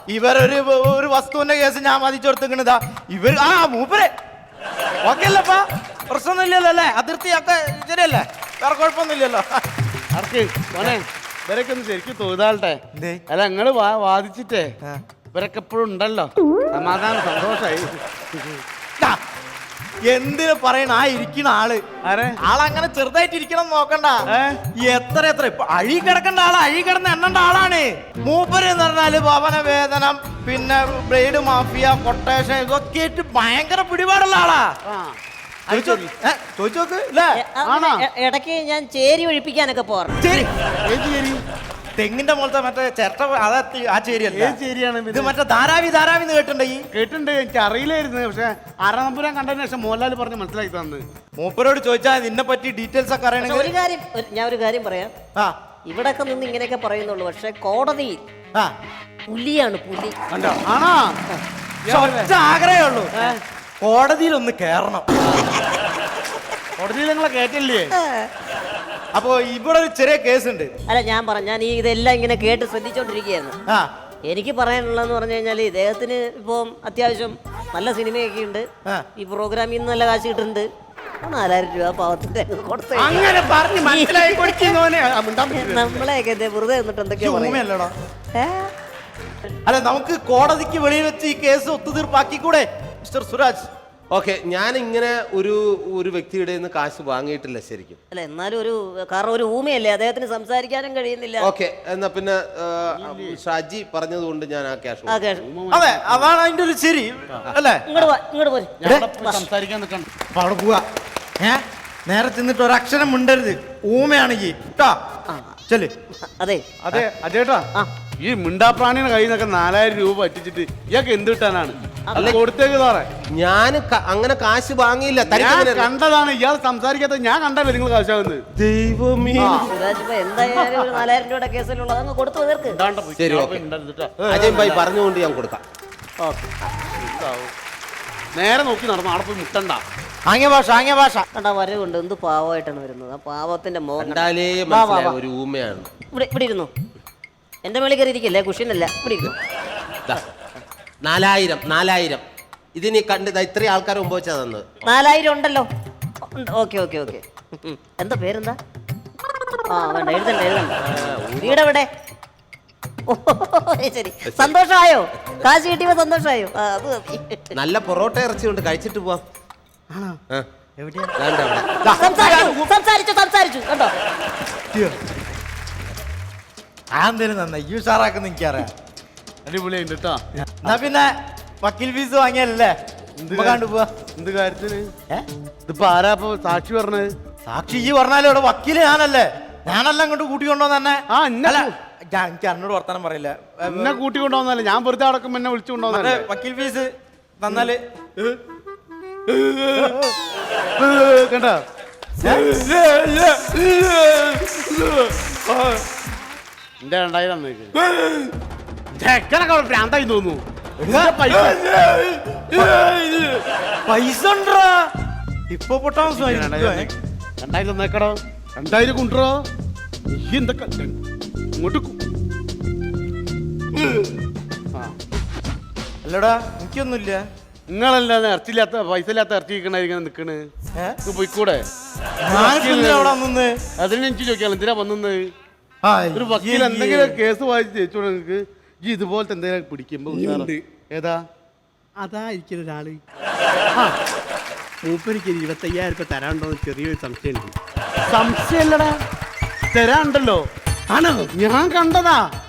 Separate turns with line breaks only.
ഇവരൊരു ഒരു വസ്തുവിന്റെ കേസ് ഞാൻ മതിച്ചു കൊടുത്തിക്കണതാ ഇവർ മൂപ്പരെ ഓക്കെ അല്ലപ്പാ പ്രശ്നമൊന്നുമില്ലല്ലോ അല്ലേ അതിർത്തിയൊക്കെ ശരിയല്ലേ വേറെ കുഴപ്പമൊന്നുമില്ലല്ലോ
ഇവരൊക്കെ ഒന്ന് ശരിക്കും തോന്നാട്ടെ അല്ല നിങ്ങള് വാദിച്ചിട്ടേ ഇവരൊക്കെ എപ്പോഴും ഉണ്ടല്ലോ സമാധാനം സന്തോഷായി
എന്തിനു പറയണ ഇരിക്കണ ആളങ്ങനെ ചെറുതായിട്ട് ഇരിക്കണം നോക്കണ്ട എത്ര ഇപ്പൊ അഴി കിടക്കേണ്ട അഴി കിടന്ന് എണ്ണേണ്ട ആളാണ് മൂപ്പര് എന്ന് പറഞ്ഞാല് ഭവന വേതനം പിന്നെ ബ്ലേഡ് മാഫിയ കൊട്ടേഷൻ ഇതൊക്കെ ആയിട്ട് ഭയങ്കര പിടിപാടുള്ള ആളാ ചോദിച്ചോക്ക്
ഇടയ്ക്ക് ഞാൻ ചേരി ഒഴിപ്പിക്കാനൊക്കെ പോകാറുണ്ട്
തെങ്ങിന്റെ മുകളത്തെ മറ്റേ ചിരട്ട ആ ചേരിയല്ല
ചേരിയാണ്
ഇത് മറ്റേ ധാരാവിന്ന്
കേട്ടിട്ടുണ്ട് എനിക്ക് അറിയില്ലായിരുന്നു പക്ഷെ ആറാനമ്പുരം കണ്ടതിന് ശേഷം മോഹൻലാൽ പറഞ്ഞ് മനസ്സിലാക്കി തന്നു
മൂപ്പരോട് ചോദിച്ചാൽ നിന്നെ പറ്റി ഡീറ്റെയിൽസ് ഒക്കെ അറിയണമെങ്കിൽ
ഞാൻ ഒരു കാര്യം പറയാം ഇവിടൊക്കെ നിന്ന് ഇങ്ങനെയൊക്കെ പറയുന്നുള്ളൂ പക്ഷെ കോടതിയിൽ പുലിയാണ് പുലി
ആണോ ആഗ്രഹമേ ഉള്ളൂ കോടതിയിൽ ഒന്ന് കേറണം
കോടതിയിൽ നിങ്ങളെ കേട്ടില്ലേ
അപ്പൊ ഇവിടെ ഒരു ചെറിയ കേസ് ഉണ്ട്
അല്ല ഞാൻ ഇതെല്ലാം ഇങ്ങനെ കേട്ട് ശ്രദ്ധിച്ചോണ്ടിരിക്കുകയായിരുന്നു എനിക്ക് പറയാനുള്ളതെന്ന് പറഞ്ഞു കഴിഞ്ഞാല് ഇദ്ദേഹത്തിന് ഇപ്പം അത്യാവശ്യം നല്ല സിനിമയൊക്കെ ഉണ്ട് ഈ പ്രോഗ്രാമിൽ നിന്ന് നല്ല കാശ് കിട്ടുന്നുണ്ട് 4000 രൂപ പാവത്തിന്റെ നമ്മളെയൊക്കെ വെറുതെ എന്നിട്ട് എന്തൊക്കെയാ
അല്ല നമുക്ക് കോടതിക്ക് വെളിയിൽ വെച്ച് ഈ കേസ് ഒത്തുതീർപ്പാക്കിക്കൂടെ മിസ്റ്റർ സുരാജ്
ഓക്കെ ഞാൻ ഇങ്ങനെ ഒരു വ്യക്തിയുടെ നിന്ന് കാശ് വാങ്ങിയിട്ടില്ല ശരിക്കും
അല്ല എന്നാലും കാരണം ഒരു ഊമയല്ലേ അദ്ദേഹത്തിന് സംസാരിക്കാനും കഴിയുന്നില്ല
ഓക്കെ എന്നാ പിന്നെ ഷാജി പറഞ്ഞതുകൊണ്ട് ഞാൻ ആ ക്യാഷ്
അതെ അതാണ് അതിന്റെ ഒരു ശരി അല്ലേ
ഇങ്ങോട്ട്
സംസാരിക്കാൻ നിൽക്കണം
അവിടെ പോവാ നേരെ ചെന്നിട്ട് ഒരക്ഷരം മിണ്ടരുത് ഊമയാണെങ്കിൽ ചെല്
അതെ
അതെ അതേട്ടാ ഈ മിണ്ടാപ്രാണിയുടെ കയ്യിൽ നിന്നൊക്കെ 4000 രൂപ പറ്റിച്ചിട്ട് ഇയാൾക്ക് എന്ത് കിട്ടാനാണ് കൊടുത്തേക്ക് സാറേ
ഞാൻ അങ്ങനെ കാശ് വാങ്ങിയില്ല
കണ്ടതാണ് ഇയാൾ സംസാരിക്കാത്ത ഞാൻ കണ്ടല്ലോ നിങ്ങൾ കാശാകുന്നത്
ദൈവമേ
എന്തായാലും 4000 രൂപയുടെ കേസിലുള്ളത് അങ്ങ് കൊടുത്തു തീർക്ക്
ശരി അജയ് ഭായി പറഞ്ഞുകൊണ്ട് ഞാൻ കൊടുക്കാം
നേരെ നോക്കി നടന്നു അവിടെ പോയി മുട്ടണ്ട
ആംഗ്യ ഭാഷ
കണ്ടാ വരവുണ്ട് എന്ത് പാവമായിട്ടാണ് വരുന്നത് ആ പാവത്തിന്റെ
ഒരു ഊമയാണ്
ഇവിടെ ഇരുന്നു എന്റെ മേളിൽ കയറി ഇരിക്കല്ലേ കുഷ്യനല്ല ഇവിടെ ഇരുന്നു
4000 ഇതിനി കണ്ടത് ഇത്രയും ആൾക്കാർ മുമ്പ് വെച്ചാ തന്നത്
4000 ഉണ്ടല്ലോ ഓക്കെ എന്താ പേരെന്താ വേണ്ട എഴുതണ്ട വീടെവിടെ ശരി സന്തോഷമായോ കാശ് കിട്ടിയപ്പോ സന്തോഷമായോ അത്
നല്ല പൊറോട്ട ഇറച്ചി കൊണ്ട് കഴിച്ചിട്ട് പോവാം
സംസാരിച്ചു കേട്ടോ
ആന്തേലും നന്നായി ഈ ഉഷാറാക്കുന്ന എനിക്കറിയാം
അടിപൊളിയുണ്ട് കേട്ടോ
എന്നാ പിന്നെ വക്കീൽ ഫീസ് വാങ്ങിയല്ലേ കണ്ടു പോവാ
എന്ത് കാര്യത്തിന് ഇതിപ്പോ ആരാ സാക്ഷി പറഞ്ഞത്
സാക്ഷി ഈ പറഞ്ഞാലും ഇവിടെ വക്കീല് ഞാനല്ല അങ്ങോട്ട് കൂട്ടിക്കൊണ്ടോന്ന് തന്നെ എനിക്ക് അന്നോട് വർത്താനം പറയില്ല
എന്നെ കൂട്ടിക്കൊണ്ടോന്നല്ല ഞാൻ വെറുതെ അടക്കം എന്നെ വിളിച്ചു കൊണ്ടോന്നല്ലേ
വക്കീൽ ഫീസ് തന്നാല്
കണ്ടോ എന്റെ 2000 ഭ്രാന്തായി തോന്നുന്നു
പൈസ ഇപ്പൊ പൊട്ടാ
2000 നോക്കടോ 2000 കൊണ്ടോ എന്തൊക്കെ ഇങ്ങോട്ട്
അല്ലടാ എനിക്കൊന്നുമില്ല
നിങ്ങളല്ലാതെ ഇറച്ചില്ലാത്ത പൈസ ഇല്ലാത്ത ഇറച്ചി ഇങ്ങനെ നിക്കണ് പോയിക്കൂടെ അതിന് എനിക്ക് ചോദിക്കാം എന്തിനാ വന്നത് ഒരു വക്കീൽ എന്തെങ്കിലും കേസ് വായിച്ച് ജയിച്ചോളൂ നിങ്ങൾക്ക് ഈ ഇതുപോലത്തെ എന്തെങ്കിലും പിടിക്കുമ്പോ ഏതാ
അതാ ഇരിക്കുന്ന ഒരാള് മൂപ്പരിക്ക് 25000 രൂപ തരാണ്ടോന്ന് ചെറിയൊരു സംശയമുണ്ട്
സംശയമല്ലടാ തരാണ്ടല്ലോ ആണോ ഞാൻ കണ്ടതാ